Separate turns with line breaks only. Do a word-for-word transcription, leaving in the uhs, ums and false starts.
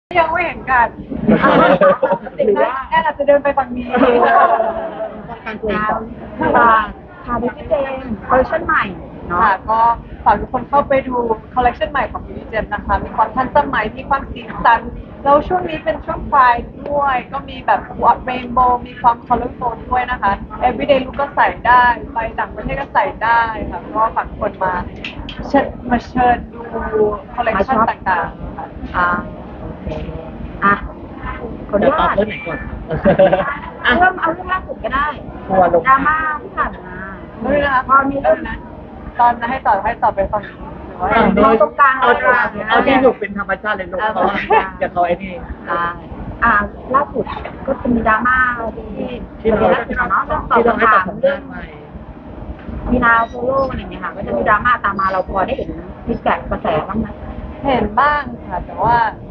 ยังไม่เห็นกันหรือว่าแอนอาจจะเดินไปฝั่งนี้
การคุยกับค่ะค่ะดิจิเจนคอลเลคชั่นใหม่เนาะ
ค่ะก็ฝากทุกคนเข้าไปดูคอลเลคชันใหม่ของ Beauty Gem นะคะมีความทันสมัยมีความสีสันแล้วช่วงนี้เป็นช่วงไฟด้วย ก็มีแบบวอตเรนโบว์มีความคอลเลอร์โฟนด้วยนะคะ everyday look ก็ใส่ได้ไปต่างประเทศก็ใส่ได้ค่ะก็ฝากทุกคนมาเชิญมาเชิญดูคอลเลคชันต่างๆค่ะ
อ่าโอเคอ่ะขออนุญาต
เรื่องไหนก่อน
เอาเรื่องเอาเรื่องล่าสุดก็ได้
ทัวร์ลง
ดราม่าที่ผ่านมา
ไม่รู้นะคะ
พอมี
เรื่องนั้นตอนให้ต่อให้ต่อไปฝั่งนี้หรือว่า
อ่า
โดย
ตรงกลาง
เอา
ตรงกลาง
เอาที่อยู่เป็นธรรมชาติเลยลูก
เอา
เพราะว่าอย่าเขาไอ้นี่
อ่าอ่าล่าสุดก็จะมีดราม่าที่
ที่เรา
เรียนล่าสุดเนาะเรื่องตอบ
ที่เราให้
คำ
ตอ
ถา
บ
ม
คำ
เรื่
ถา
อง
มใหม่
มีนาโซโล่อะไรอย่างเงี้ยค่ะก็จะมีดราม่าตามมาเราพอได้เห็นฟีดแบ็กกระแสบ้างไหม
เห็นบ้างค่ะแต่ว่า